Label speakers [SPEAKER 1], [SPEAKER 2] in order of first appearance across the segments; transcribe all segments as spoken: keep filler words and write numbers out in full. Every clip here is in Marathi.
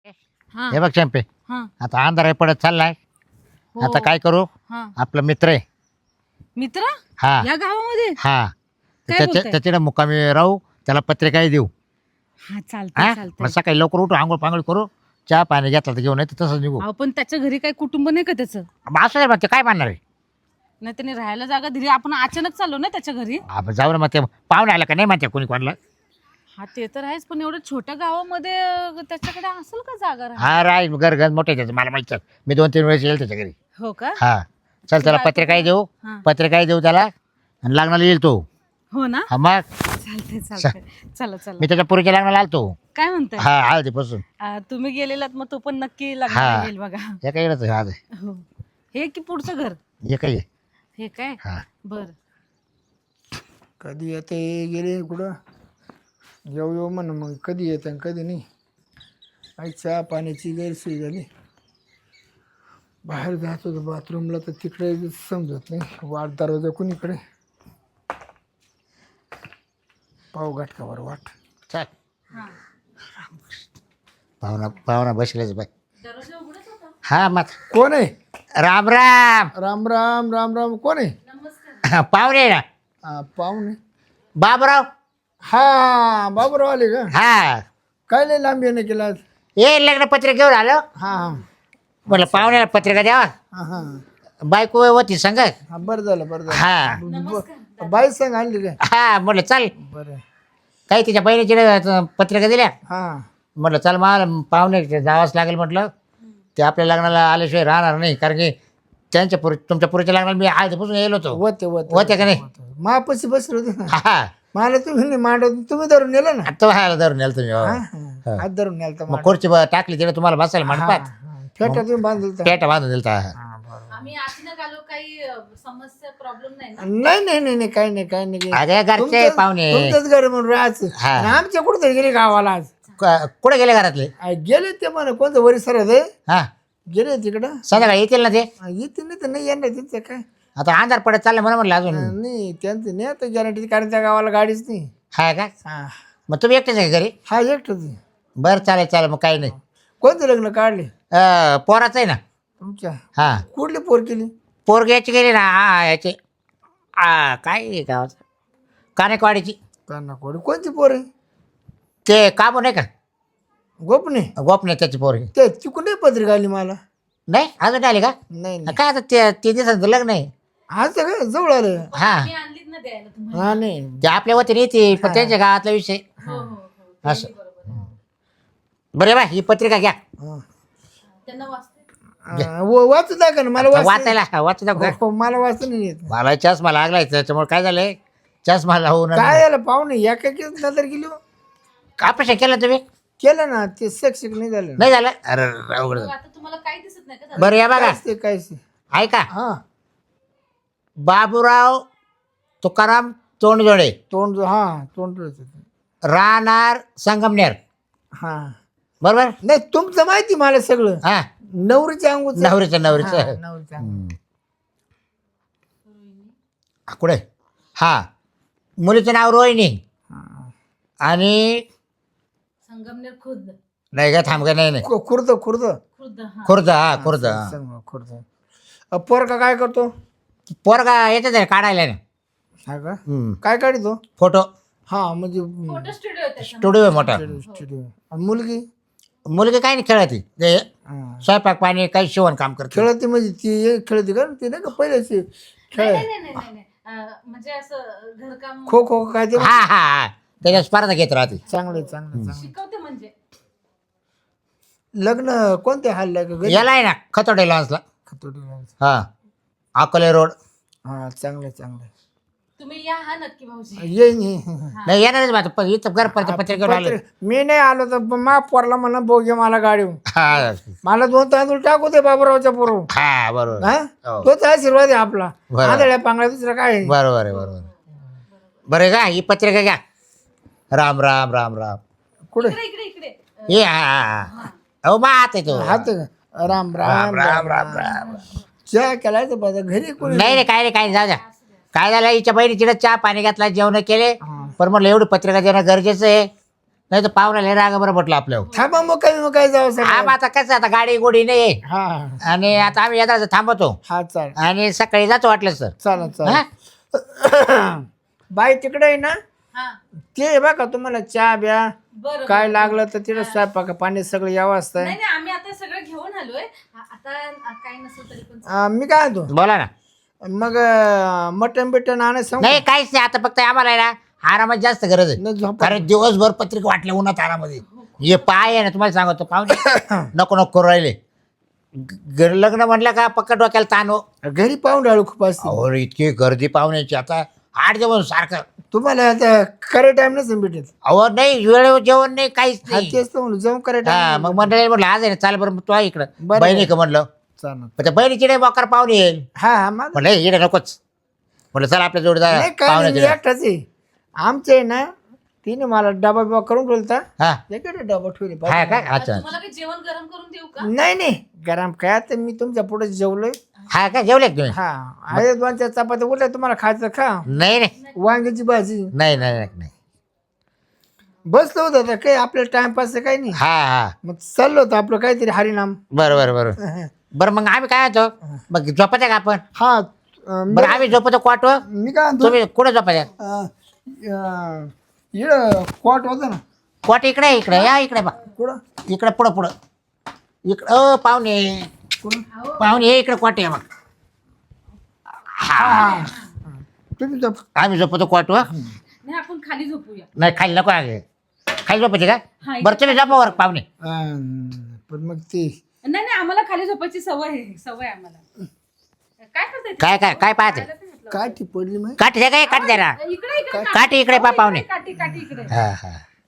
[SPEAKER 1] हां,
[SPEAKER 2] हे बघ चंपे,
[SPEAKER 1] हां.
[SPEAKER 2] आता अंधार आहे पडत चाललाय.
[SPEAKER 1] हो.
[SPEAKER 2] आता काय करू?
[SPEAKER 1] हां.
[SPEAKER 2] आपला मित्र आहे.
[SPEAKER 1] मित्र?
[SPEAKER 2] हा
[SPEAKER 1] या गावामध्ये?
[SPEAKER 2] हा
[SPEAKER 1] काय
[SPEAKER 2] त्याच्या
[SPEAKER 1] बोलताय?
[SPEAKER 2] त्याच्याकडे मुक्कामी राहू, त्याला पत्रिकाही देऊ.
[SPEAKER 1] हां, चालतंय,
[SPEAKER 2] हा मग
[SPEAKER 1] चालतंय.
[SPEAKER 2] सकाळी लवकर उठू, आंघोळ पांघोळ करू, चहा पाणी घेतला तर घेऊन येतो, तसंच निघू.
[SPEAKER 1] अहो, पण त्याच्या घरी काही कुटुंब नाही का त्याचं?
[SPEAKER 2] मग असं आहे, मग ते काय म्हणणार आहे?
[SPEAKER 1] नाही त्याने राहायला जागा दिली. आपण अचानक चाललो ना त्याच्या घरी.
[SPEAKER 2] आपण जाऊ ना, मग ते पाहुणे आला का नाही म्हणते कोणी कोणाला.
[SPEAKER 1] हा ते तर आहेच, पण एवढ्या छोट्या गावामध्ये अं, त्याच्याकडे असेल का जागा राहायला?
[SPEAKER 2] हा राय घर घर मोठे त्याचं, मला माहिती आहे. मी दोन तीन वेळेस येईल त्याच्या घरी.
[SPEAKER 1] हो का?
[SPEAKER 2] हा चल, त्याला
[SPEAKER 1] बायको
[SPEAKER 2] पत्रिकाही देऊ,
[SPEAKER 1] हां.
[SPEAKER 2] पत्रिकाही देऊ त्याला, आणि लग्नाला येईल तो.
[SPEAKER 1] हो ना?
[SPEAKER 2] हा मग
[SPEAKER 1] चालतंय, चालतंय. चला, चला.
[SPEAKER 2] मी त्याच्या पुरीच्या लग्नाला आलतो.
[SPEAKER 1] काय म्हणताय?
[SPEAKER 2] हा हळदीपासून.
[SPEAKER 1] अं, तुम्ही गेलेलात मग तो पण नक्की
[SPEAKER 2] हा.
[SPEAKER 1] लग्नाला येईल बघा.
[SPEAKER 2] हे काय येणार आज आहे?
[SPEAKER 1] हो. हे की पुढचं घर?
[SPEAKER 2] हे काय आहे?
[SPEAKER 1] हे काय?
[SPEAKER 2] हा
[SPEAKER 1] बर.
[SPEAKER 3] कधी येते गेले कुठं येऊ येऊ म्हण, मग कधी येते आणि कधी नाही. आई चहा पाण्याची गैरसोय झाली. बाहेर जात होतो बाथरूमला तर तिकडे समजत नाही, वाट दरवाजा कुणीकडे. पाव घाटकावर वाट.
[SPEAKER 2] चल,
[SPEAKER 1] हां.
[SPEAKER 2] पाहुणा पाहुणा बसलेच बाय.
[SPEAKER 1] दरवाजा उघडच होता.
[SPEAKER 2] हा मग
[SPEAKER 3] कोण आहे?
[SPEAKER 2] राम राम.
[SPEAKER 3] राम राम राम राम. कोण आहे?
[SPEAKER 1] नमस्कार.
[SPEAKER 2] पाहुणे ना,
[SPEAKER 3] हा पाहुणे.
[SPEAKER 2] बाबराव.
[SPEAKER 3] हा बाबूराव आले का?
[SPEAKER 2] हा
[SPEAKER 3] काय लय लांब येणं केलं आज?
[SPEAKER 2] ये लग्न पत्रिका घेऊन आलो.
[SPEAKER 3] हा हा
[SPEAKER 2] म्हटलं पाहुण्याला पत्रिका द्यावा.
[SPEAKER 3] हा हा
[SPEAKER 2] बायको होती संग.
[SPEAKER 3] हा बरं झालं बरं झालं.
[SPEAKER 2] हा
[SPEAKER 3] ब- बाई सांग आणली काय?
[SPEAKER 2] हा म्हटलं चल,
[SPEAKER 3] बरं.
[SPEAKER 2] काही तिच्या बहिणीची पत्रिका दिल्या.
[SPEAKER 3] हा
[SPEAKER 2] म्हटलं चल, मला पाहुणे जावंच लागेल. म्हटलं ते आपल्या लग्नाला आल्याशिवाय राहणार नाही, कारण की त्यांच्या पुरी तुमच्या पुरीच्या लग्नाला मी आधीपासून येलो होतो.
[SPEAKER 3] होते होते
[SPEAKER 2] होते का नाही?
[SPEAKER 3] मापाशी बसले होते ना.
[SPEAKER 2] हा
[SPEAKER 3] मला तुम्ही नाही मांडव, तुम्ही धरून नेलं ना.
[SPEAKER 2] तो व्हायला धरून नेलं तुम्ही. हो.
[SPEAKER 3] हा, हात धरून नेलं तर
[SPEAKER 2] मग खुर्ची ब- टाकली तिला तुम्हाला बसायला मंडपात.
[SPEAKER 3] फेटा तुम्ही बांधलं तर.
[SPEAKER 2] पेटा बांधून दिलता.
[SPEAKER 1] आम्ही अचानक आलो, काही अ, समस्या प्रॉब्लेम नाही ना?
[SPEAKER 3] नाही नाही नाही नाही काही नाही काही नाही.
[SPEAKER 2] अरे घरचे
[SPEAKER 3] तुमचंच-
[SPEAKER 2] पाहुणे
[SPEAKER 3] तुमचंच घर म्हणून राहायचं.
[SPEAKER 2] हा.
[SPEAKER 3] आणि आमच्या कुठं गेले गावाला आज?
[SPEAKER 2] क- कुठे गेले घरातले?
[SPEAKER 3] आ, गेले ते म्हणा कोणतं वरी सर आहे?
[SPEAKER 2] हा
[SPEAKER 3] गेले तिकडं.
[SPEAKER 2] संध्याकाळी येतील ना ते.
[SPEAKER 3] आ, येते नाही तर नाही येणार त्यांचं काय.
[SPEAKER 2] आता अंधार पडत चाललं म्हणून म्हणलं अजून.
[SPEAKER 3] आ, नाही त्यांचं नाही आता गॅरंटी, कारण त्या गावाला गाडीच नाही.
[SPEAKER 2] हा का?
[SPEAKER 3] हा
[SPEAKER 2] मग तुम्ही एकटेच आहे का घरी?
[SPEAKER 3] हा एकटंच आहे.
[SPEAKER 2] बरं चालेल चालेल, मग काही नाही.
[SPEAKER 3] कोणतं लग्न काढले
[SPEAKER 2] अं, पोराचं आहे ना.
[SPEAKER 3] तुमच्या?
[SPEAKER 2] हा
[SPEAKER 3] कुठली पोर केली?
[SPEAKER 2] पोरगी याची गेली ना. हा याची हा काय आहे गावाचं, कानेकवाडीची.
[SPEAKER 3] काना कोडी कोणती पोर आहे?
[SPEAKER 2] ते काबू नाही का,
[SPEAKER 3] गोपने?
[SPEAKER 2] गोपने त्याची पोरगी.
[SPEAKER 3] ते तिकडून नाही पत्रिका आली मला.
[SPEAKER 2] नाही अजून आली का?
[SPEAKER 3] नाही नाही.
[SPEAKER 2] काय आता ते तीन दिवसांचं लग्न आहे.
[SPEAKER 3] आज तर काय जवळ आलं.
[SPEAKER 2] हा
[SPEAKER 1] मी आणलीच ना द्यायला तुम्हाला.
[SPEAKER 3] हा नाही.
[SPEAKER 2] ते आपल्या वतीने येते, पण त्यांच्या गावातला विषय
[SPEAKER 1] हो हो हो.
[SPEAKER 2] असं. बरे बा, ही पत्रिका घ्या.
[SPEAKER 3] हा.
[SPEAKER 1] त्यांना वाचते.
[SPEAKER 3] आ, व- वाचू दाखवा ना मला. वाच
[SPEAKER 2] वाचायला वाचू दाखव.
[SPEAKER 3] हो, मला वाचता नाही येत.
[SPEAKER 2] मला चष्मा लागलाय, त्याच्यामुळे काय झालंय, चष्मा लावून
[SPEAKER 3] काय झालं पाहुणे एकाकीच नजर गेली हो.
[SPEAKER 2] ऑपरेशन केलं तुम्ही?
[SPEAKER 3] केलं ना ते शिक्षक नाही झालं.
[SPEAKER 2] नाही झालं? अरे अवघड झालं.
[SPEAKER 1] आता तुम्हाला काही दिसत नाही का?
[SPEAKER 2] बरं या बघा,
[SPEAKER 3] कायच ते कायच ते.
[SPEAKER 2] ऐका.
[SPEAKER 3] हा
[SPEAKER 2] बाबूराव तुकाराम तोंडजोडे,
[SPEAKER 3] तोंड जो- हा तोंड जो-
[SPEAKER 2] राहणार संगमनेर.
[SPEAKER 3] हा
[SPEAKER 2] बरोबर?
[SPEAKER 3] नाही तुमचं माहिती मला सगळं.
[SPEAKER 2] हा
[SPEAKER 3] नवरीच्या अंगूच
[SPEAKER 2] नवरीचं नवरीचं
[SPEAKER 3] नवरीच्या अंगूचं.
[SPEAKER 2] कुठे? हा मुलीचं नाव रोहिणी.
[SPEAKER 3] हा.
[SPEAKER 2] आणि
[SPEAKER 1] संगमनेर खुर्द.
[SPEAKER 2] नाही का, थांब का, नाही नाही
[SPEAKER 3] खु- खुर्द खुर्द
[SPEAKER 1] खुर्द हा.
[SPEAKER 2] खुर्द. हा खुर्द. हा.
[SPEAKER 3] सांग खुर्द. अ, पोरका काय करतो?
[SPEAKER 2] पोरगा येतात आहे काढायला ना.
[SPEAKER 3] हा का?
[SPEAKER 2] हम्म.
[SPEAKER 3] काय काढतो?
[SPEAKER 2] फोटो
[SPEAKER 3] हा म्हणजे
[SPEAKER 1] फोटो स्टुडिओ आहे त्याचा.
[SPEAKER 2] स्टुडिओ आहे मोठा.
[SPEAKER 3] स्टुडिओ. आणि मुलगी?
[SPEAKER 2] मुलगी काय नाही खेळती, ते
[SPEAKER 3] हा.
[SPEAKER 2] स्वयंपाक पाणी काही शिवण काम करते.
[SPEAKER 3] खेळते म्हणजे ती एक खेळते का? ती नाही का पहिल्याची खेळ?
[SPEAKER 1] नाही नाही नाही नाही नाही. अ, म्हणजे असं घरकाम
[SPEAKER 3] खो खो काय ते?
[SPEAKER 2] हा हा हा त्याच्या स्पर्धा घेत राहते.
[SPEAKER 3] चांगलं चांगलं चांगलं.
[SPEAKER 1] शिकवते म्हणजे.
[SPEAKER 3] लग्न कोणत्या हल्ल्या का घरी?
[SPEAKER 2] याला आहे ना खतोडे लॉन्सला.
[SPEAKER 3] खतोडीला.
[SPEAKER 2] हा अकोले रोड.
[SPEAKER 3] हा चांगलं चांगलं.
[SPEAKER 1] तुम्ही या हा नक्की भाऊजी.
[SPEAKER 3] येईन येईन.
[SPEAKER 2] नाही येणारच बा, पण इथं घर परत पत्रिकेवर आले.
[SPEAKER 3] पत्र- मी नाही आलो तर मा पोरला म्हणा बोगे मला गाडी.
[SPEAKER 2] हा
[SPEAKER 3] मला दोन तांदूळ टाकू दे बाबूरावच्या पोरू.
[SPEAKER 2] हा बरोबर.
[SPEAKER 3] हा
[SPEAKER 2] हो.
[SPEAKER 3] तोच आशीर्वाद आहे आपला.
[SPEAKER 2] बरोबर.
[SPEAKER 3] आंधळ्या पांगळ्या दुसरं काय आहे?
[SPEAKER 2] बरोबर आहे बरोबर. बरं का, ही पत्रिका घ्या. राम राम राम राम.
[SPEAKER 3] कुठे?
[SPEAKER 1] इकडे इकडे इकडे.
[SPEAKER 2] ये हा हा हा. अहो मा हात आहे तो.
[SPEAKER 3] हात का? राम
[SPEAKER 2] राम
[SPEAKER 3] राम
[SPEAKER 2] राम राम राम.
[SPEAKER 3] चहा केलाय तर बघा घरी कोणी
[SPEAKER 2] नाही रे, काय रे, काय नाही, जाऊ द्या. काय झालं, हिच्या बहिणीची चहा पाणी घातला, जेवण केले, पण म्हटलं एवढी पत्रिका देणं गरजेचं आहे. नाही तर पाहुण्याला राग बरं म्हटलं आपल्यावर.
[SPEAKER 3] थांबा मग काय मग काय जावं
[SPEAKER 2] हा
[SPEAKER 3] सर.
[SPEAKER 2] मग आता कसं आता गाडी गोडी नाही
[SPEAKER 3] हा
[SPEAKER 2] आणि आता आम्ही येतात थांबतो
[SPEAKER 3] हा चालेल
[SPEAKER 2] आणि सकाळी जातो वाटलं सर.
[SPEAKER 3] चालेल
[SPEAKER 2] हा
[SPEAKER 3] चालेल. बाई तिकडे आहे ना
[SPEAKER 1] हा
[SPEAKER 3] ते बघा तुम्हाला चहा ब्या
[SPEAKER 1] बरं
[SPEAKER 3] काय
[SPEAKER 1] बरं.
[SPEAKER 3] लागलं तर तिला स्वयंपाक पाणी सगळं यावं असतं.
[SPEAKER 1] नाही नाही आम्ही आता सगळं घेऊन आलोय आ- आता आ- काय नसेल तरी पण चालेल.
[SPEAKER 3] मी काय म्हणतो
[SPEAKER 2] बोला ना.
[SPEAKER 3] मग मटन बिटन आणायचं सांगू
[SPEAKER 2] नाही काहीच नाही आता फक्त आम्हाला आहे ना आरामात जास्त गरज आहे.
[SPEAKER 3] नाही, झोपा.
[SPEAKER 2] कारण दिवसभर पत्रिका वाटल्या उन्हात आरामध्ये हे पाय आहे ना तुम्हाला सांगतो पाहुणे नको नको करू राहिले. ग- लग्न म्हणलं का पक्का डोक्याला ताण हो.
[SPEAKER 3] घरी पाहून राहिलो खूप असते.
[SPEAKER 2] अहो इतकी गर्दी पाहुण्याची आता आठ जेवण सारखं.
[SPEAKER 3] तुम्हाला आता खरे टाइम नसेल भेटत.
[SPEAKER 2] अहो नाही वेळेवर जेवण नाही काहीच
[SPEAKER 3] हा
[SPEAKER 2] नाही.
[SPEAKER 3] तेच तर म्हणलं जाऊन करे
[SPEAKER 2] हा
[SPEAKER 3] टाइम.
[SPEAKER 2] मग मंडळी म्हटलं आज आहे ना चाल बरं तू आहे इकडं
[SPEAKER 3] बरं.
[SPEAKER 2] बहिणी का म्हणलं
[SPEAKER 3] चालेल.
[SPEAKER 2] पण त्या बहिणीची नाही मोकार पाहुणे येईल
[SPEAKER 3] हा हा माझं
[SPEAKER 2] म्हटलं इकडे नकोच म्हटलं चला आपल्या जोडीदार
[SPEAKER 3] नाही काय नाही, मी
[SPEAKER 2] पाहुण्याचे
[SPEAKER 3] एकटाच आहे. आमचे आहे ना तिने मला डबा बिबा करून ठेवता.
[SPEAKER 2] हा
[SPEAKER 3] इकडे डबा ठेवले
[SPEAKER 2] हा काय अच्छा
[SPEAKER 1] तुम्हाला काही जेवण गरम करून देऊ का?
[SPEAKER 3] नाही नाही गरम काय तर मी तुमच्या पुढे जेवलोय.
[SPEAKER 2] हा काय जेवले का तुम्ही
[SPEAKER 3] हा आहे दोन चार चपात्या उरल्या तुम्हाला खायचं खा.
[SPEAKER 2] नाही नाही
[SPEAKER 3] वांग्याची भाजी
[SPEAKER 2] नाही नाही नाही नाही.
[SPEAKER 3] बसलो होतं आता काही आपलं टाइमपास काही नाही.
[SPEAKER 2] हा हा
[SPEAKER 3] मग चाललो होतं आपलं काहीतरी हरिनाम.
[SPEAKER 2] बरं बरं बरं बरं मग आम्ही काय होतो मग झोपायचं का आपण
[SPEAKER 3] हा अं,
[SPEAKER 2] बरं आम्ही झोपतो क्वाटवर
[SPEAKER 3] मी काय म्हणतो
[SPEAKER 2] तुम्ही कुठं झोपायचं
[SPEAKER 3] अं, अं, इकडं कॉट होतं ना
[SPEAKER 2] क्वाट इकडे इकडे या इकडे बा
[SPEAKER 3] कुठं
[SPEAKER 2] इकडे पुढं पुढं इकडं अ पाहुणे
[SPEAKER 3] कुठं
[SPEAKER 2] पाहुणे हे इकडे क्वाट आहे मग
[SPEAKER 3] हा तुम्ही झोप.
[SPEAKER 2] आम्ही झोपतो क्वाटवर.
[SPEAKER 1] नाही आपण खाली झोपूया.
[SPEAKER 2] नाही खाली नको आहे खाली झोपायचे
[SPEAKER 1] हा,
[SPEAKER 2] का
[SPEAKER 1] इकडे
[SPEAKER 2] बरं तुम्ही झोपा वर पाहुणे.
[SPEAKER 3] अं, पण मग ते
[SPEAKER 1] नाही नाही आम्हाला खाली झोपायची सवय आहे सवय आहे आम्हाला. काय करताय ते?
[SPEAKER 2] काय काय काय पाहते
[SPEAKER 3] काठी पडली मग
[SPEAKER 2] काठी द्या काय काठी द्या ना
[SPEAKER 1] इकडे इकडे
[SPEAKER 2] काठी इकडे पा पाहुणे.
[SPEAKER 1] काठी काठी इकडे.
[SPEAKER 2] हा हा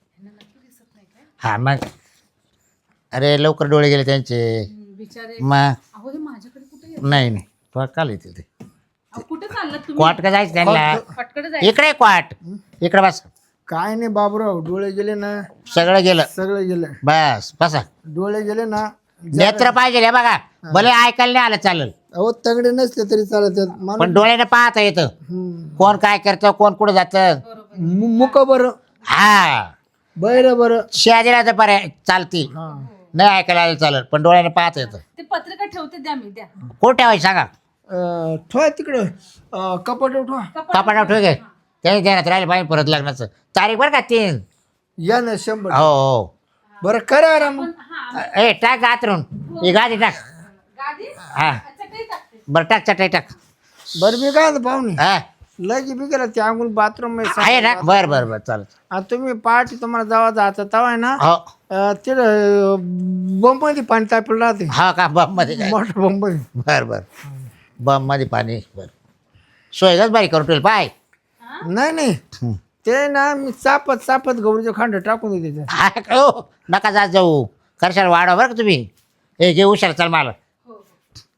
[SPEAKER 2] हा मग अरे लवकर डोळे गेले त्यांचे
[SPEAKER 1] हम्म, बिचारे
[SPEAKER 2] मग
[SPEAKER 1] अहो हे माझ्याकडे कुठे येत?
[SPEAKER 2] नाही नाही तो काल येते ते
[SPEAKER 1] अहो, कुठे चाललात तुम्ही?
[SPEAKER 2] क्वाट का जायचं त्यांना
[SPEAKER 1] फटकडे जायचं.
[SPEAKER 2] इकडे क्वाट इकडे बस
[SPEAKER 3] काय नाही बाबूराव डोळे गेले ना
[SPEAKER 2] सगळं गेलं
[SPEAKER 3] सगळं गेलं.
[SPEAKER 2] बस बसा
[SPEAKER 3] डोळे गेले ना
[SPEAKER 2] नेत्र पाहिजे हे बघा भले ऐकायला नाही आलं चालेल
[SPEAKER 3] अहो तगडे नसले तरी चालत आहेत.
[SPEAKER 2] पण
[SPEAKER 3] माणूस
[SPEAKER 2] डोळ्याने पाहता येतं
[SPEAKER 3] हम्म.
[SPEAKER 2] कोण काय करतं कोण कुठं जातं.
[SPEAKER 3] मु- मुक बरं
[SPEAKER 2] हा
[SPEAKER 3] बैर बरं
[SPEAKER 2] शहाजीला तर पर्याय चालती
[SPEAKER 3] हा
[SPEAKER 2] नाही ऐकायला आलं चालेल पण डोळ्याने पाहता येतं.
[SPEAKER 1] ते पत्रिका ठेवते द्या मी द्या.
[SPEAKER 2] कोण ठेवायचं सांगा
[SPEAKER 3] अं, ठेवा तिकडं अं, कपाट ठेवा.
[SPEAKER 2] कपाटा ठेव घे त्याने ध्यानात राहिले पाहिजे परत लग्नाचं तारीख बरं का तीन.
[SPEAKER 3] या ना शंभर.
[SPEAKER 2] हो हो
[SPEAKER 3] बरं करा आराम.
[SPEAKER 1] पण हा
[SPEAKER 2] ए टाक गातरून ही गादी टाक
[SPEAKER 1] गादी
[SPEAKER 2] हा
[SPEAKER 1] अच्छा काही टाकते.
[SPEAKER 2] बरं टाक चटाई टाक
[SPEAKER 3] बरं मी काय म्हणतो पाहुणे
[SPEAKER 2] हा
[SPEAKER 3] लगी बी गेला त्या अंगून बाथरूम
[SPEAKER 2] आहे ना बरं बरं बरं चालेल
[SPEAKER 3] तुम्ही पहाटे तुम्हाला जावा जायचं तवा आहे ना
[SPEAKER 2] हो
[SPEAKER 3] अं, तिथं बंब मध्ये पाणी तापलं राहते.
[SPEAKER 2] हा का बम मध्ये काय
[SPEAKER 3] मोठं बंब आहे.
[SPEAKER 2] बरं बरं बम मध्ये पाणी बरं सोयगच बारीक करून ठेवलं पाय.
[SPEAKER 3] नाही नाही
[SPEAKER 2] हं.
[SPEAKER 3] ते ना मी चापत चापत गौरीचे खांड टाकून देते त्याच्यात.
[SPEAKER 2] हा का हो नका जात जाऊ करशाल वाढवा बरं का तुम्ही हे घे हुशार चल मला
[SPEAKER 1] हो हो.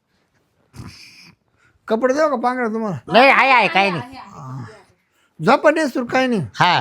[SPEAKER 3] कपडे देऊ का पांघरा तुम्हाला
[SPEAKER 2] नाही आहे आहे काही नाही
[SPEAKER 3] झोपा सुर काही नाही.
[SPEAKER 2] हा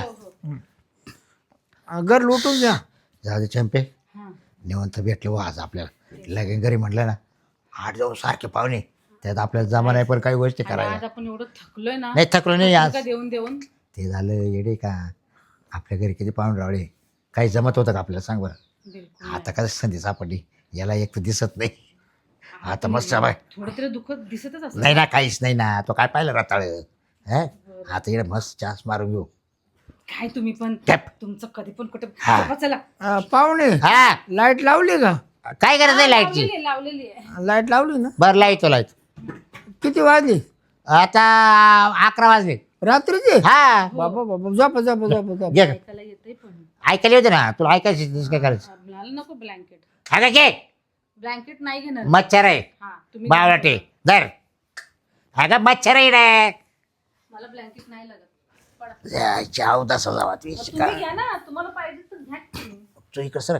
[SPEAKER 3] घर लुटून घ्या.
[SPEAKER 2] जाऊ दे चंपे
[SPEAKER 1] हा.
[SPEAKER 2] निवंत भेटलं वा आज आपल्याला लगेन घरी म्हटलं ना आठ जाऊन सारखे पाहुणे त्यात आपल्याला जमा नाही पण काही गोष्टी
[SPEAKER 1] आणि
[SPEAKER 2] करायला
[SPEAKER 1] आज आपण एवढं थकलोय ना
[SPEAKER 2] नाही थकलो नाही आज
[SPEAKER 1] पत्रिका देऊन देऊन.
[SPEAKER 2] ते झालं येडे का आपल्या घरी किती पाहुणे रावळे काही जमत होतं का आपल्याला सांग बरं.
[SPEAKER 1] बिलकुल
[SPEAKER 2] आता कसं संधी सापडली याला एक तर दिसत नाही आता मस्त बाय
[SPEAKER 1] थोडं तरी दुःख दिसतच असत.
[SPEAKER 2] नाही ना काहीच नाही ना तो काय पाहिलं रताळ हा आता इकडे मस्त चान्स मारून घेऊ
[SPEAKER 1] काय तुम्ही पण
[SPEAKER 2] टॅप.
[SPEAKER 1] तुमचं कधी पण कुठे
[SPEAKER 2] हा.
[SPEAKER 1] झोपा चला.
[SPEAKER 3] अं, पाहुणे
[SPEAKER 2] हा
[SPEAKER 3] लाईट लावली का
[SPEAKER 2] काय गरज आहे लाईटची
[SPEAKER 1] लावलेली आहे, लावलेली आहे.
[SPEAKER 3] लाईट लावली ना
[SPEAKER 2] बरं लाईतो लाईतो
[SPEAKER 3] किती वाजली
[SPEAKER 2] आता अकरा वाजले
[SPEAKER 3] रात्रीचे
[SPEAKER 2] हा
[SPEAKER 3] बाबा बाबा झोपा झोपा झोपा झोपा.
[SPEAKER 2] घे
[SPEAKER 1] ऐकायला येतंय पण
[SPEAKER 2] ऐकायला येते ना तुला ऐकायचं काय करायचं
[SPEAKER 1] मला नको ब्लँकेट.
[SPEAKER 2] हा का घे
[SPEAKER 1] ब्लँकेट नाही घेणार.
[SPEAKER 2] मच्छर आहे
[SPEAKER 1] हा तुम्ही
[SPEAKER 2] बावळाटे धर हा का मच्छर आहे इकडे
[SPEAKER 1] मला ब्लँकेट नाही लागत. पडा.
[SPEAKER 2] जायच्या अवदासा जावा ती
[SPEAKER 1] मग तुम्ही घ्या ना तुम्हाला पाहिजे तर घ्या की.
[SPEAKER 2] तू इकडं सर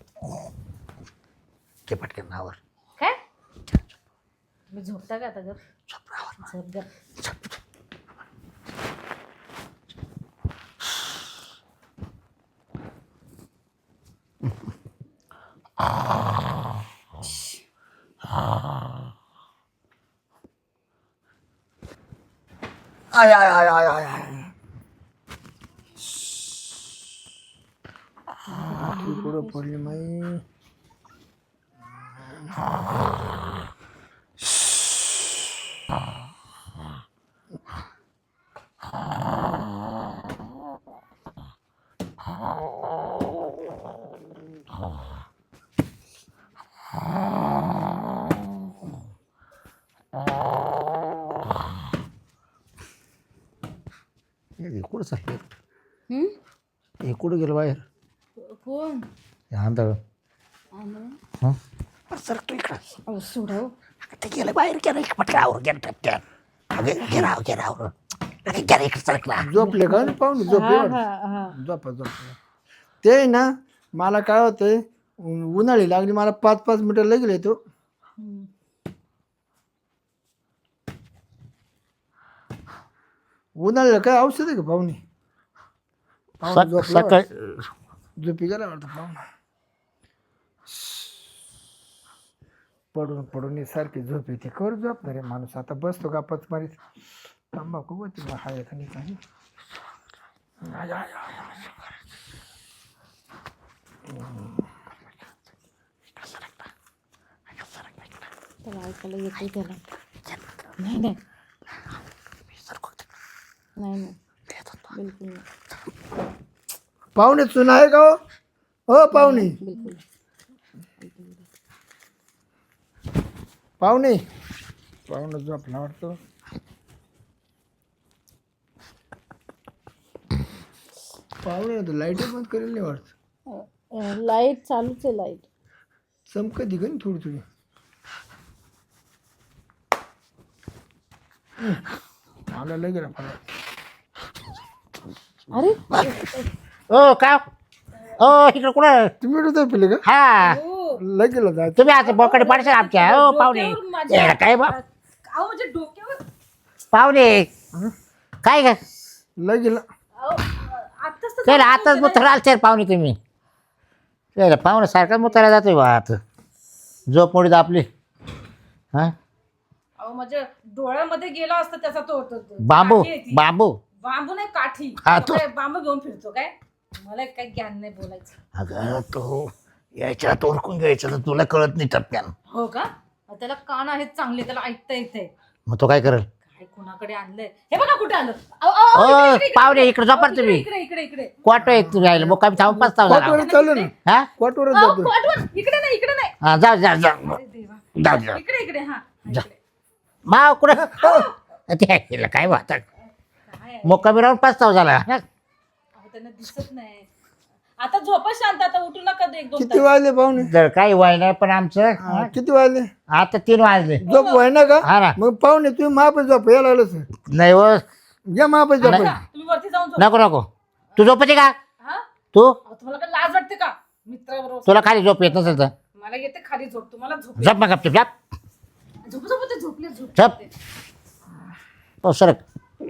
[SPEAKER 2] ते पटकन नावर
[SPEAKER 1] काय मी झोपता का आता ग झोप ग.
[SPEAKER 3] आय आय आय आय आय आय. पडली माई.
[SPEAKER 2] हे कुठं चाललं
[SPEAKER 1] हम्म?
[SPEAKER 2] हे कुठं गेलं बाहेर
[SPEAKER 1] कोण
[SPEAKER 2] आंधळ
[SPEAKER 1] आंधळं?
[SPEAKER 2] हं सर तू इकडं
[SPEAKER 1] अहो सोडा हो.
[SPEAKER 2] ते गेलं बाहेर गेलं इकडं पटकावर गेलं टपक्यात अगं गेराव गेरावर अगं गेला इकडं सरकला
[SPEAKER 3] झोपले का पाहुणे झोपले
[SPEAKER 1] हा,
[SPEAKER 3] वाटतं.
[SPEAKER 1] हा, हा.
[SPEAKER 3] झोपा झोपा. ते ना मला काय होतंय उन्हाळी लागली मला पाच पाच मिनिटं लगेल येतो.
[SPEAKER 1] हम्म.
[SPEAKER 3] उन्हाळ्याला काय औषध आहे का पाहुणे? पाहुणे
[SPEAKER 2] सक-
[SPEAKER 3] झोपला
[SPEAKER 2] सकाळ
[SPEAKER 3] झोपी गेला वाटतं पाहुणा. पडून पडून सारखी झोप येते कर झोपणार रे माणूस. आता बसतो का पच मारीत तंबाखू होती मग हाय का नाही काही. आय, आय, आय, आय.
[SPEAKER 1] त्याला ऐकायला येते त्याला. नाही नाही नाही नाही बिलकुल नाही.
[SPEAKER 3] पाहुणे चुना आहे का हो? हो पाहुणे
[SPEAKER 1] बिलकुल
[SPEAKER 3] पाहुणे पाहुणे झोपला वाटतो. पाहुणे तर लाईट बंद करेल नाही वाटत.
[SPEAKER 1] लाईट चालूच आहे लाईट.
[SPEAKER 3] चमक दिग ना थोडी थोडी. मला लगेल मला
[SPEAKER 1] अरे
[SPEAKER 2] ओ का ओ इकडं कुठं
[SPEAKER 3] तुम्ही कुठं झोपले का?
[SPEAKER 2] हा
[SPEAKER 3] लगेल जायचं.
[SPEAKER 2] तुम्ही आता बोकडे पाडशाल आमच्या हो पाहुणे
[SPEAKER 1] डोक्यावर माझ्या-
[SPEAKER 2] येडा काय बा
[SPEAKER 1] अहो म्हणजे डोक्यावर
[SPEAKER 2] पाहुणे काय का
[SPEAKER 3] लगेल
[SPEAKER 1] अहो आत्ताच तर
[SPEAKER 2] चल आताच मुतरा आलते पाहुणे तुम्ही चल पाहुणे सारखा मुतारा जातोय बा आता झोप मोडीत आपली हा
[SPEAKER 1] अहो माझ्या डोळ्यामध्ये गेला असता त्याचा तो तो- तो-
[SPEAKER 2] बांबू
[SPEAKER 1] काठी आहे ती.
[SPEAKER 2] बांबू
[SPEAKER 1] बांबू नाही काठी.
[SPEAKER 2] हा,
[SPEAKER 1] तो
[SPEAKER 2] तो-
[SPEAKER 1] काय बांबू घेऊन फिरतो काय? मला काही ज्ञान नाही बोलायचं.
[SPEAKER 2] अगं तो याच्यात ओळखून घ्यायचं तर तुला कळत नाही टप्प्यानं
[SPEAKER 1] हो का? अहो, त्याला कान आहेत चांगले, त्याला ऐकता येते.
[SPEAKER 2] मग तो काय करेल
[SPEAKER 1] काय कुणाकडे आणलंय हे बघा कुठे आलं. अहो, अहो, अहो,
[SPEAKER 2] ओ,
[SPEAKER 1] इकडे, इकडे, इकडे,
[SPEAKER 2] पाहुणे,
[SPEAKER 1] इकडे.
[SPEAKER 2] इकडे झोपा
[SPEAKER 1] अहो,
[SPEAKER 2] तुम्ही.
[SPEAKER 1] इकडे इकडे इकडे इकडे
[SPEAKER 2] क्वाटो एक तुम्ही राहिलं मग कमी थांबून पाच तास
[SPEAKER 3] क्वाटवर चालू ना
[SPEAKER 2] हा
[SPEAKER 3] क्वाटवर
[SPEAKER 1] अहो,
[SPEAKER 3] जातो.
[SPEAKER 1] पाठवा. इकडे नाही इकडे नाही.
[SPEAKER 2] हा जा जा जा
[SPEAKER 1] अरे देवा.
[SPEAKER 2] जाऊ जा
[SPEAKER 1] इकडे इकडे हा
[SPEAKER 2] जा.
[SPEAKER 1] इकडे.
[SPEAKER 2] माव कुठं ते केलं काय वाटत
[SPEAKER 1] काय आहे?
[SPEAKER 2] मग कमी राहून पाच तास झाला
[SPEAKER 1] अहो, त्यांना दिसत नाही. आता झोपा शांत. आता उठू नका एक दोन
[SPEAKER 3] किती वाजले पाहुणे?
[SPEAKER 2] जर काही वय नाही पण आमचं
[SPEAKER 3] हा, किती वाजले?
[SPEAKER 2] आता तीन वाजले
[SPEAKER 3] झोप व्हाय ना का?
[SPEAKER 2] हा ना
[SPEAKER 3] मग पाहुणे तुम्ही महापे झोप यायला लागलं
[SPEAKER 2] नाही हो
[SPEAKER 3] घ्या महापे झोप.
[SPEAKER 1] तास. तुम्ही वरती जाऊन झोपा.
[SPEAKER 2] नको नको तू झोपते का
[SPEAKER 1] हा?
[SPEAKER 2] तू
[SPEAKER 1] अहो, तुम्हाला काय लाज वाटते का मित्राबरोबर?
[SPEAKER 2] तुला खाली झोप येत नसेल तर
[SPEAKER 1] मला येते खाली झोप. तुम्हाला झोप
[SPEAKER 2] झोप मग गपचूप झोप
[SPEAKER 1] झोप झोप ते झोपले झोप
[SPEAKER 2] झोप हो सरक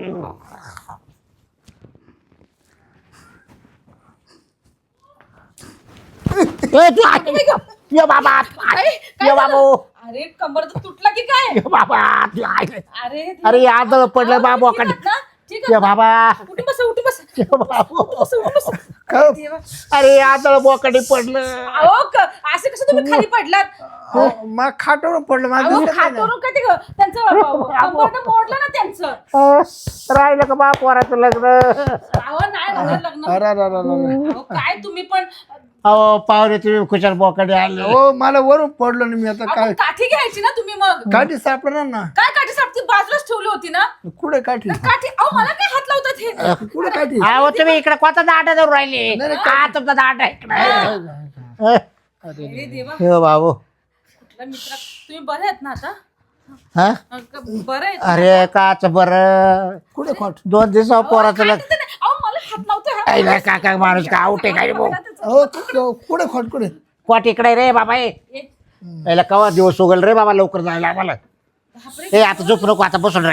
[SPEAKER 2] ए, तू आत ये गं. ये बाबा आत, आत.
[SPEAKER 1] काय- काय
[SPEAKER 2] ये
[SPEAKER 1] झालं?
[SPEAKER 2] बाबू
[SPEAKER 1] अरे कंबर तर तुटला की काय?
[SPEAKER 2] ये बाबा आत, ये आत.
[SPEAKER 1] अरे
[SPEAKER 2] अरे आदळ पडलं
[SPEAKER 1] अहो,
[SPEAKER 2] बाबू
[SPEAKER 1] ठीक आहात ना? ठीक
[SPEAKER 2] ये
[SPEAKER 1] आहात ना?
[SPEAKER 2] बाबा
[SPEAKER 1] उठून बसा उठून बसा
[SPEAKER 2] ये बाबू
[SPEAKER 1] बसा, उठून बसा.
[SPEAKER 3] काय?
[SPEAKER 1] देवा.
[SPEAKER 2] अरे आदळ बोकडे पडलं
[SPEAKER 1] अहो क- असे कसं तुम्ही खाली पडलात?
[SPEAKER 3] अहो, मग खाटावर पडलं माझं
[SPEAKER 1] अहो
[SPEAKER 3] दिसत नाही ना.
[SPEAKER 1] खातोरून का ते ग- त्यांचं कंबरनं मोडलं ना त्यांचं.
[SPEAKER 2] अ, राहिलं का बा पोराचं लग्न
[SPEAKER 1] अहो नाही होणार लग्न.
[SPEAKER 3] अरे अरे अरे अरे.
[SPEAKER 1] अहो काय तुम्ही पण
[SPEAKER 2] अहो पावरे तुम्ही कुशल बोकडे आले
[SPEAKER 3] हो मला वरून पडलो ना मी आता
[SPEAKER 1] अहो,
[SPEAKER 3] काय
[SPEAKER 1] काठी घ्यायची ना तुम्ही मग.
[SPEAKER 3] काठी सापडणार ना.
[SPEAKER 1] काय काठी सापती बाजूलाच ठेवली होती ना
[SPEAKER 3] कुठे काठी?
[SPEAKER 1] काठी. अहो मला काय हात लावतात हे?
[SPEAKER 3] कुठे काठी?
[SPEAKER 2] अहो तुम्ही इकडे कोणता दाट धरून राहिले
[SPEAKER 3] नाही,
[SPEAKER 2] का तुमचा दाट आहे इकडे
[SPEAKER 1] अरे देवा.
[SPEAKER 2] हे बाबू
[SPEAKER 1] कुठला मित्र तुम्ही बरे आहेत ना आता?
[SPEAKER 2] हा
[SPEAKER 1] अ, क- बरं आहेत.
[SPEAKER 2] अरे काच बर
[SPEAKER 3] कुठे खाट?
[SPEAKER 2] दोन दिवस पोराचं लग्न
[SPEAKER 1] काय ते नाही. अहो मला हात लावतोय हा.
[SPEAKER 2] काय नाही, काका माणूस का आउट आहे काय भाऊ
[SPEAKER 3] हो कुठे- कुठे खाट कुठे?
[SPEAKER 2] कोट इकडे रे बाबा हे
[SPEAKER 1] ए,
[SPEAKER 2] याला कवा दिवस उगल रे बाबा लवकर जायला आम्हाला
[SPEAKER 1] बापरे.
[SPEAKER 2] हे आता झोप नको आता बसून रे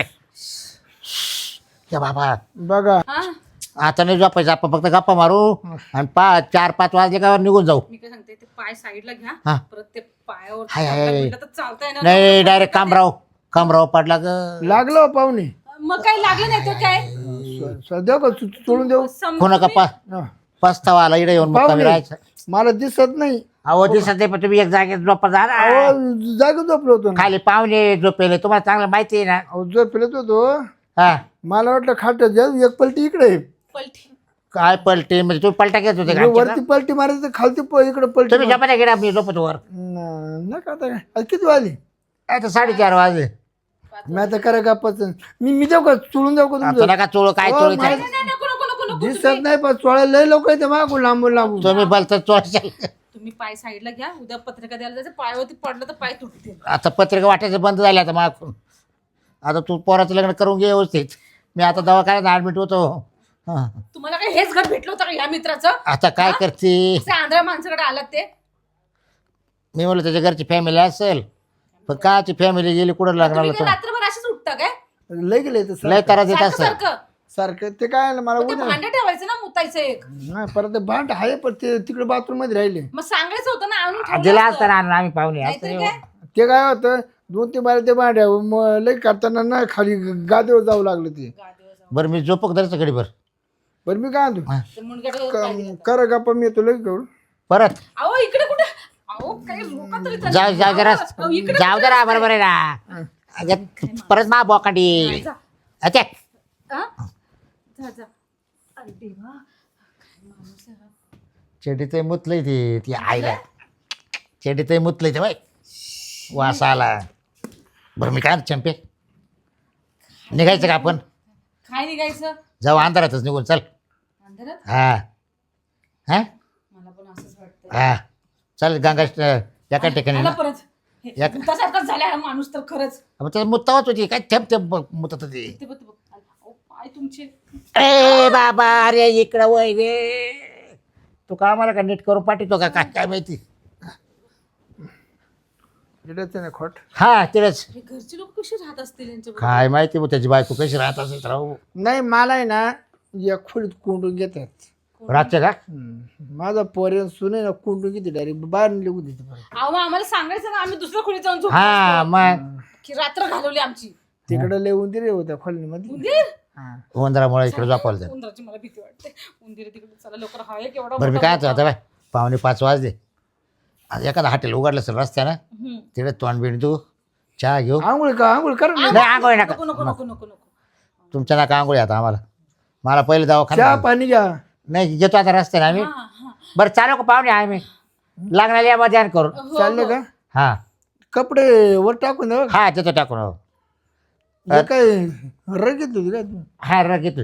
[SPEAKER 2] हे बाबा
[SPEAKER 3] बघा
[SPEAKER 1] हा
[SPEAKER 2] आता नाही झोपायचं आपण फक्त गप्पा मारू आणि पाच चार पाच वाजले का निघून जाऊ
[SPEAKER 1] मी काय सांगते ते पाय साईडला घ्या.
[SPEAKER 2] हा.
[SPEAKER 1] परत ते पायावर
[SPEAKER 2] हाय, हाय, हाय.
[SPEAKER 1] पडलं तर चालता येणार
[SPEAKER 2] नाही डायरेक्ट कामराव कामराव पडला ग
[SPEAKER 3] लागलो हो पाहुणे.
[SPEAKER 1] मग काही लागलं नाही तर काय
[SPEAKER 3] स- सध्या का तू- तू- सोडून देऊ?
[SPEAKER 1] सम-
[SPEAKER 2] कोणा का पा
[SPEAKER 3] हा.
[SPEAKER 2] पस्तावा आला इकडे येऊन मुक्कामी
[SPEAKER 3] पाहुणे
[SPEAKER 2] राहायचं
[SPEAKER 3] मला दिसत नाही.
[SPEAKER 2] अहो दिसत नाही पण तुम्ही एक जागेत झोपा जा ना.
[SPEAKER 3] अहो जागा झोपलो होतो ना.
[SPEAKER 2] खाली पाहुणे झोपेले तुम्हाला चांगलं माहिती आहे ना.
[SPEAKER 3] अहो झोपलेत होतो.
[SPEAKER 2] हा
[SPEAKER 3] मला वाटलं खाट एक पलटी इकडे आहे.
[SPEAKER 1] पलटी
[SPEAKER 2] काय पलटी म्हणजे तुम्ही पलटा घेत होते का
[SPEAKER 3] मी
[SPEAKER 2] आमच्याकडं?
[SPEAKER 3] वरती पलटी मारायचं खालती प- इकडे पलटी
[SPEAKER 2] तुम्ही झोपा गेला मी झोपत वर.
[SPEAKER 3] न- नका आता काय. आज किती वाजले?
[SPEAKER 2] आता साडेचार वाजले.
[SPEAKER 3] मी आता करा गप्पाच. मी मी जाऊ का चुळून जाऊ का
[SPEAKER 2] आता
[SPEAKER 3] तुमचं?
[SPEAKER 2] नका चोळ काय
[SPEAKER 3] हो,
[SPEAKER 2] चोळीचं
[SPEAKER 3] मला-
[SPEAKER 1] नाही, नाही, नको नको नको नको
[SPEAKER 3] दिसत नाही पण चोळा लय लोक येते मागून लांबून लांबून.
[SPEAKER 2] तुम्ही बोलता चोळशाल.
[SPEAKER 1] तुम्ही पाय साईडला घ्या. उद्या पत्रिका द्यायला जायचं, पायावरती पडलं तर पाय तुटतील.
[SPEAKER 2] आता पत्रिका वाटायचं बंद झालं आता मागून. आता तू पोराचं लग्न करून घे व्यवस्थित. मी आता दवाखान्यात ऍडमिट होतो. हा.
[SPEAKER 1] तुम्हाला काय हेच घर भेटलं होतं का ह्या मित्राचं?
[SPEAKER 2] आता काय करते
[SPEAKER 1] असे आंधळ्या माणसाकडे आलात ते?
[SPEAKER 2] मी म्हणलं त्याच्या घरची फॅमिली असेल पण काची फॅमिली गेली कुठं
[SPEAKER 1] तुम्ही
[SPEAKER 2] लग्नाला
[SPEAKER 1] काय
[SPEAKER 2] तर
[SPEAKER 1] रात्रभर असेच उठता काय?
[SPEAKER 3] लय गेले ते
[SPEAKER 2] लय
[SPEAKER 3] सारखं.
[SPEAKER 2] त्रास देत
[SPEAKER 1] सारखं
[SPEAKER 2] असेल.
[SPEAKER 1] सारखं
[SPEAKER 3] सारखं ते काय ना मला
[SPEAKER 1] मग ते
[SPEAKER 3] उद्या
[SPEAKER 1] भांडे ठेवायचं ना मुतायचं एक.
[SPEAKER 3] नाही परत ते भांड आहे पण ते तिकडे बाथरूम मध्ये राहिले.
[SPEAKER 1] मग सांगायचं होतं ना आणून ठेवलं
[SPEAKER 2] दिला
[SPEAKER 1] असतं.
[SPEAKER 2] असता ना आम्ही पाहुणे
[SPEAKER 1] नाहीतरी
[SPEAKER 2] असं
[SPEAKER 1] काय?
[SPEAKER 3] ते काय होतं दोन तीन बारे ते भांड्या मग लय करताना ना खाली गादीवर जाऊ लागलं ते.
[SPEAKER 1] गादीवर जाऊन.
[SPEAKER 2] बरं मी झोपक धरायचं घडी बरं
[SPEAKER 3] बरं मी काय म्हणतो
[SPEAKER 1] ते मुंडक्याकडे पाय दिला.
[SPEAKER 3] करा गप्पा मी येतो लय करू.
[SPEAKER 2] परत
[SPEAKER 1] अहो इकडे कुठे? अहो काही रोका तरी चालेल.
[SPEAKER 2] जाऊ जाऊ जरा
[SPEAKER 1] अहो, इकडे
[SPEAKER 2] जाऊ जरा बरोबर आहे ना. अगं, परत मा बोकाडी
[SPEAKER 1] जा.
[SPEAKER 2] अच्छा
[SPEAKER 1] हा? जा जा. अरे देवा काय माणूस आहे हा.
[SPEAKER 2] चेडीतही मुतलंय ते ती आईला चेडीतही मुतलंय ते बाई वास आला. बरं मी काय चंपे निघायचं का आपण?
[SPEAKER 1] काय निघायचं
[SPEAKER 2] जाऊ अंधारातच निघून चल.
[SPEAKER 1] अंधारात?
[SPEAKER 2] हा हा
[SPEAKER 1] मला पण असंच वाटतं.
[SPEAKER 2] हा चल गंगा एका ठिकाणी
[SPEAKER 1] आला
[SPEAKER 2] ना.
[SPEAKER 1] परत हे,
[SPEAKER 2] या-
[SPEAKER 1] भूतासारखाच झाला हा माणूस तर खरंच.
[SPEAKER 2] मग त्याला मुत्तावत होती काय थेप थेप मुतत होती.
[SPEAKER 1] ते बघ ते बघ. अहो, पाय तुमचे.
[SPEAKER 2] ए बाबा अरे इकडं वय रे तू का आम्हाला का नीट करून पाठवतो का काय काय माहिती.
[SPEAKER 3] इकडेच आहे ना खोट.
[SPEAKER 2] हा तिथंच
[SPEAKER 1] हे घरचे लोक कसे राहत असतील यांच्याबरोबर?
[SPEAKER 2] काय माहिती मग त्याची बायको कशी राहत असेल तर राहू.
[SPEAKER 3] नाही मला आहे ना या खोलीत कोंडून घेतात.
[SPEAKER 2] रातच्या का
[SPEAKER 3] हम्म. माझा पोरे सुने ना कोंडून घेते डायरेक्ट बाहेर निघून देते परत.
[SPEAKER 1] अहो मग आम्हाला सांगायचं ना, आम्ही दुसऱ्या खोलीत जाऊन झोपतो
[SPEAKER 2] हा
[SPEAKER 1] असतो.
[SPEAKER 2] मग
[SPEAKER 1] की रात्र घालवली आमची.
[SPEAKER 3] तिकडे लय उंदीर होत्या खोलीमध्ये.
[SPEAKER 1] उंदीर?
[SPEAKER 3] हा.
[SPEAKER 2] उंदरामुळे इकडे झोपायला जाईल.
[SPEAKER 1] उंदराची मला भीती वाटते. उंदीर तिकडे चला लवकर हा एक एवढा
[SPEAKER 2] बरं मी
[SPEAKER 1] मोठा
[SPEAKER 2] काय आता बाय पावणे पाच वाजले. आज एखादा हॉटेल उघडलं असेल रस्त्यानं
[SPEAKER 1] हम्म.
[SPEAKER 2] तिकडे तोंड बिंड तू चहा घेऊ.
[SPEAKER 3] आंघोळ का आंघोळ कर ना.
[SPEAKER 2] नाही आंघोळ नका
[SPEAKER 1] नको नको नको नको नको.
[SPEAKER 2] तुमच्या नाका आंघोळ आता आम्हाला मला पहिले
[SPEAKER 3] चहा
[SPEAKER 2] दवाखाना
[SPEAKER 3] पाणी घ्या.
[SPEAKER 2] नाही घेतो आता रस्त्याने आम्ही.
[SPEAKER 1] हा, हा.
[SPEAKER 2] बरं चालू का पाहुणे आहे मी लागणार या ध्यान करून.
[SPEAKER 1] हो,
[SPEAKER 3] चालले
[SPEAKER 1] हो.
[SPEAKER 3] का
[SPEAKER 2] हा
[SPEAKER 3] कपडे वर टाकून द्या.
[SPEAKER 2] हा देतो टाकून हो.
[SPEAKER 3] हे काय रग घेतली होती काय तू?
[SPEAKER 2] हा रग घेतो.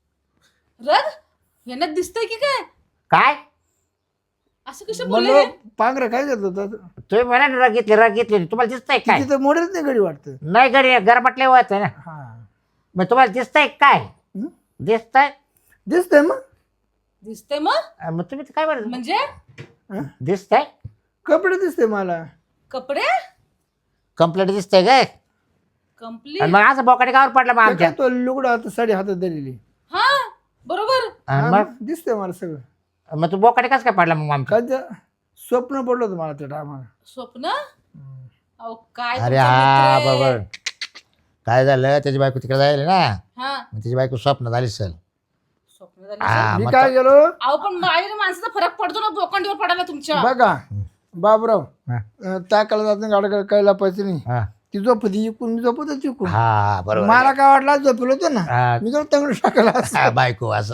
[SPEAKER 1] रग यांना दिसतंय की काय?
[SPEAKER 2] काय
[SPEAKER 1] असं कसं बोलले
[SPEAKER 3] म्हणलं
[SPEAKER 1] हे?
[SPEAKER 3] पांघरा काय घेतलं होतं?
[SPEAKER 2] तुम्ही म्हणा ना रग घेतली रग घेतली तुम्हाला दिसतंय काय?
[SPEAKER 3] तिथं मोडत नाही गडी वाटतं.
[SPEAKER 2] नाही गडी गरमटले होत आहे ना.
[SPEAKER 3] हा
[SPEAKER 2] मग तुम्हाला दिसतंय काय?
[SPEAKER 3] हं?
[SPEAKER 2] दिसतंय
[SPEAKER 3] दिसतंय मग
[SPEAKER 1] दिसतंय मग
[SPEAKER 2] अं, मग तुम्ही काय बरं
[SPEAKER 1] म्हणजे
[SPEAKER 3] हं?
[SPEAKER 2] दिसतंय
[SPEAKER 3] कपडे दिसते मला.
[SPEAKER 1] कपडे
[SPEAKER 2] कंप्लीट दिसतंय काय?
[SPEAKER 1] कम्प्लीट.
[SPEAKER 2] आणि मग असं बोकाटे गावर पडला मग
[SPEAKER 3] ते
[SPEAKER 2] आमच्या.
[SPEAKER 3] काय तो लुगडा आता साडी हातात धरलेली.
[SPEAKER 1] हा बरोबर.
[SPEAKER 2] आणि
[SPEAKER 3] हा,
[SPEAKER 2] मग
[SPEAKER 3] दिसतंय मला सगळं.
[SPEAKER 2] मग तू बोकाटे कसं काय पडला मग आमच्या?
[SPEAKER 3] काय ते स्वप्न पडलं होतं मला त्या टायमाला.
[SPEAKER 1] स्वप्न. अहो काय
[SPEAKER 2] अरे
[SPEAKER 1] तुमचा
[SPEAKER 2] हा
[SPEAKER 1] मित्र आहे.
[SPEAKER 2] बरोबर काय झालं त्याची बायको तिकडे जायला ना
[SPEAKER 1] हा
[SPEAKER 2] मग त्याची बायको स्वप्न झाली सर.
[SPEAKER 1] स्वप्न झालं.
[SPEAKER 2] हा
[SPEAKER 3] मी
[SPEAKER 2] मग
[SPEAKER 3] काय गेलो
[SPEAKER 1] अहो पण बाहेर माणसाचा फरक पडतो ना बोकांडीवर पडायला तुमच्या.
[SPEAKER 3] बघा बाबराव
[SPEAKER 2] हा.
[SPEAKER 3] अं, टाकायला जात नाही गाडा काय लपायचं नाही.
[SPEAKER 2] हा
[SPEAKER 3] ती झोपती इकून मी झोपत चिकून.
[SPEAKER 2] हा बरोबर
[SPEAKER 3] मला काय वाटलं आज झोपलो होतो ना
[SPEAKER 2] हा,
[SPEAKER 3] मी जर तंगड टाकायला असं.
[SPEAKER 2] हा, बायको असं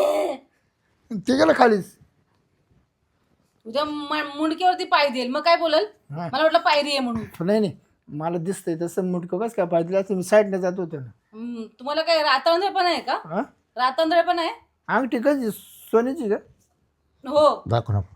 [SPEAKER 3] ते गेलं खालीच.
[SPEAKER 1] तुझ्या म- मुंडक्यावरती पाय देईल मग काय बोलल?
[SPEAKER 3] हा.
[SPEAKER 1] मला वाटलं पायरी आहे म्हणून.
[SPEAKER 3] नाही नाही मला दिसतंय तसं मुटकं कसं काय पाहिजे असं मी साईडने जात होतो ना.
[SPEAKER 1] हम्म, तुम्हाला काय रातांधळे पण आहे का?
[SPEAKER 3] हा
[SPEAKER 1] रातांधळे पण आहे?
[SPEAKER 3] अंगठी कशी सोन्याची का?
[SPEAKER 1] हो.
[SPEAKER 2] दाखव नको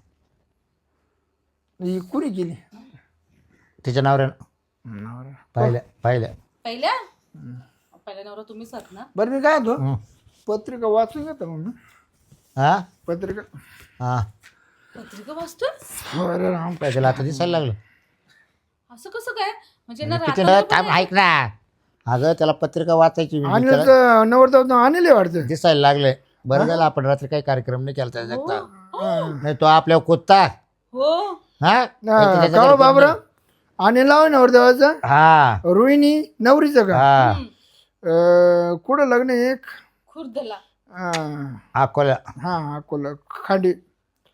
[SPEAKER 3] ही कुणी केली?
[SPEAKER 2] तिच्या नवऱ्यानं
[SPEAKER 3] नवरा.
[SPEAKER 2] पाहिलं पाहिलं
[SPEAKER 1] पहिल्या पहिल्या नवरा तुम्हीच आहात ना?
[SPEAKER 3] बरं मी काय होतो
[SPEAKER 2] हं.
[SPEAKER 3] पत्रिका वाचून घेतो मग मी.
[SPEAKER 2] हा
[SPEAKER 3] पत्रिका
[SPEAKER 2] हा
[SPEAKER 1] पत्रिका वाचतोय?
[SPEAKER 3] अरे राम.
[SPEAKER 2] काय त्याला आता दिसायला लागलं.
[SPEAKER 1] असं कसं काय? म्हणजे ना
[SPEAKER 2] किती
[SPEAKER 1] रातांधळे
[SPEAKER 2] ना
[SPEAKER 1] पण
[SPEAKER 2] थांब
[SPEAKER 1] आहे?
[SPEAKER 2] ऐक ना अगं त्याला पत्रिका वाचायची मी
[SPEAKER 3] आणि
[SPEAKER 2] त्याला
[SPEAKER 3] नवरदेव आणले वाटतं.
[SPEAKER 2] दिसायला लागले. बरं झालं आपण रात्री काही कार्यक्रम नाही केला त्याचा
[SPEAKER 1] हो.
[SPEAKER 2] एकटा. नाही तो आपल्या कुत्ता
[SPEAKER 1] हो.
[SPEAKER 2] हा त्याच्या
[SPEAKER 3] का
[SPEAKER 2] घरी
[SPEAKER 3] बाबरा
[SPEAKER 2] कोण
[SPEAKER 3] आणि लाव नवरदेवाचं
[SPEAKER 2] नाही. हा
[SPEAKER 3] रोहिणी नवरीचं का?
[SPEAKER 2] हा
[SPEAKER 1] हम्म.
[SPEAKER 3] अं, कुठं लग्न आहे एक?
[SPEAKER 1] खुर्दला.
[SPEAKER 3] अं,
[SPEAKER 2] अकोला
[SPEAKER 3] हा अकोला खांडी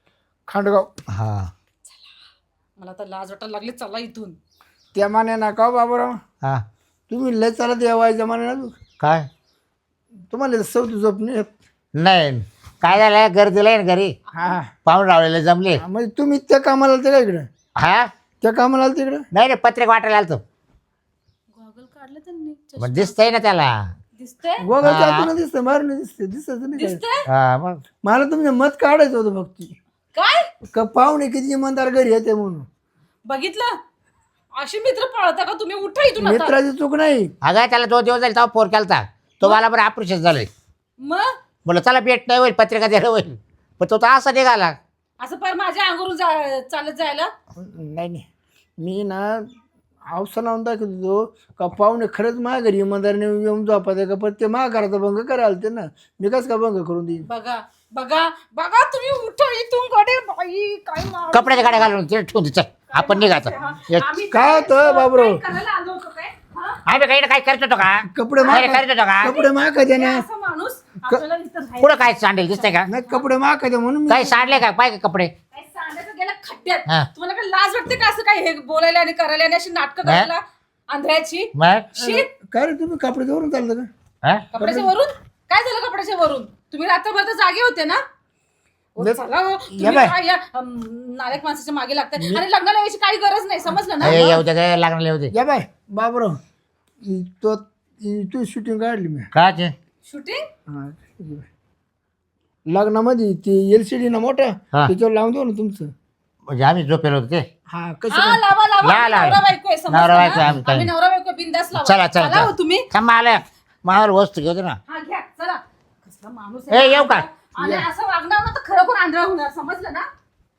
[SPEAKER 3] खांडगाव.
[SPEAKER 2] हा
[SPEAKER 1] मला तर लाज वाटायला लागली, चला इथून.
[SPEAKER 3] त्या माने ना का बाबूराव,
[SPEAKER 2] हा
[SPEAKER 3] तुम्ही लय चालत यावायच्या माने ना,
[SPEAKER 2] काय
[SPEAKER 3] तुम्हाला सवती झोप नाही येत.
[SPEAKER 2] नाही काय झालं गर्दीला आहे ना घरी
[SPEAKER 3] हा
[SPEAKER 2] पाहून रावलेले जमले.
[SPEAKER 3] हा, म्हणजे तुम्ही त्या कामाला आलते का इकडं?
[SPEAKER 2] हा
[SPEAKER 3] त्या कामाला आलते इकडं?
[SPEAKER 2] नाही रे पत्रिक वाटायला आलतो.
[SPEAKER 1] गॉगल काढलं त्यांनी,
[SPEAKER 2] मग दिसतंय ना त्याला.
[SPEAKER 1] दिसतंय
[SPEAKER 3] गोगाच्या आतून दिसतं, बाहेरून दिसते, दिसत नाही काय.
[SPEAKER 1] दिसतंय.
[SPEAKER 2] हा मग
[SPEAKER 3] मला तुमचं मत काढायचं होतं फक्त,
[SPEAKER 1] काय
[SPEAKER 3] का पाहुणे किती इमानदार घरी येते म्हणून.
[SPEAKER 1] बघितलं, अशी मित्र पाळता का तुम्ही? उठा इथून आता.
[SPEAKER 3] मित्राची चूक नाही.
[SPEAKER 2] अगं त्याला दोन दिवस झाले तेव्हा फोन केलता, तो मला बरं ऑपरेशन झालंय.
[SPEAKER 1] मग
[SPEAKER 2] बोला चला भेट नाही होईल, पत्रिका द्यायला होईल, पण तो तर असा निघाला.
[SPEAKER 1] असं पर माझ्या अंगावरून जा- चालत जायला.
[SPEAKER 3] नाही नाही, मी ना अवसा लावून दाखवतो का पाहुणे खरंच माझ्या घरी इमानदारीने येऊन झोपायचं का, पण ते माझ्या घराचा भंग करायला ते ना, मी कसं का भंग करून देईन.
[SPEAKER 1] बघा बघा बघा, तुम्ही उठा इथून कडे. बाई काय मार-
[SPEAKER 2] कपड्याच्या गाड्या घालून तिथे ठेवून दे, चल आपण निघायचं. एक-
[SPEAKER 1] आम्ही
[SPEAKER 3] काय होतं बाबूराव?
[SPEAKER 1] काय करायला आलो होतो काय? हा?
[SPEAKER 2] आम्ही काही ना काही करत होतो का?
[SPEAKER 3] कपडे
[SPEAKER 2] काही
[SPEAKER 3] माग
[SPEAKER 2] करत होतो का?
[SPEAKER 3] कपडे माग द्या ना.
[SPEAKER 1] असं माणूस आपल्याला इथं राहायचं.
[SPEAKER 2] पुढं काय सांडेल दिसतंय का?
[SPEAKER 3] नाही कपडे माग द्या म्हणून मी-
[SPEAKER 2] काही सांडले का पाय का कपडे?
[SPEAKER 1] काय सांगायचं गेलं खड्ड्यात.
[SPEAKER 2] हा.
[SPEAKER 1] तुम्हाला काय लाज वाटते का असं काय हे बोलायला आणि करायला आणि अशी नाटकं करायला आंधळ्याची?
[SPEAKER 2] मग
[SPEAKER 1] शी,
[SPEAKER 3] काय रे तुम्ही कपडे धरून चालतं का?
[SPEAKER 2] हा?
[SPEAKER 1] कपड्याच्या वरून काय झालं? कपड्याच्या वरून तुम्ही रात्रभर तर जागे होते ना? ओ,
[SPEAKER 3] ले-
[SPEAKER 1] चला हो, तुम्ही
[SPEAKER 3] या बाय.
[SPEAKER 1] काय या अम, नालायक माणसाच्या मागे लागतात आणि लग्नाला यायची काही गरज नाही, समजलं ना?
[SPEAKER 2] ए, येऊ दे काय लागणार येऊ दे.
[SPEAKER 3] या बाय बाबराव, इ- तो इ- तू शूटिंग काढली मी.
[SPEAKER 2] का ते?
[SPEAKER 1] शूटिंग
[SPEAKER 3] हा, ठीक आहे. लग्नामध्ये ते एल सी डी ना मोठा,
[SPEAKER 2] हा.
[SPEAKER 3] त्याच्यावर लावून देऊ ना तुमचं.
[SPEAKER 2] म्हणजे आम्ही झोपेल होतो ते.
[SPEAKER 3] हा कसं
[SPEAKER 1] हा लावा लावा,
[SPEAKER 2] ला, ला.
[SPEAKER 1] नवरा बायको आहे, समजलं
[SPEAKER 2] नवरा
[SPEAKER 1] ना?
[SPEAKER 2] बायको आहे, आम्ही काय-
[SPEAKER 1] आम्ही नवरा बायको बिंदास लावा.
[SPEAKER 2] चला चला
[SPEAKER 1] चला हो
[SPEAKER 2] चला
[SPEAKER 1] तुम्ही.
[SPEAKER 2] थांब आलं मावाला वस्तू घेऊ दे ना.
[SPEAKER 1] हा घ्या चला. कसला माणूस
[SPEAKER 2] ए, येऊ का?
[SPEAKER 1] आणि असं वागणार ना तर खरोखर आंधळा होणार, समजलं ना?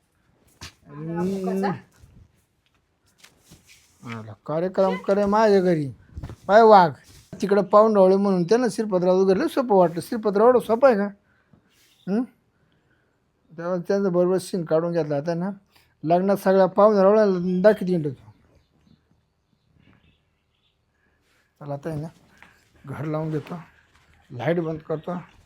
[SPEAKER 1] आंधळा
[SPEAKER 3] आला, कार्यक्रम करे माझ्या घरी पाय वाघ तिकडं पाहून रावळे म्हणून त्यानं श्रीपतराव वगैरे सोपं वाटलं. श्रीपतराव एवढं सोपं आहे का? हं? तेव्हा त्यांचं बरोबर सीन काढून घेतला आता ना, लग्नात सगळ्या पाहून रावळ्या दाखवत येतो. चला आता आहे ना, घर लावून देतो, लाईट बंद करतो.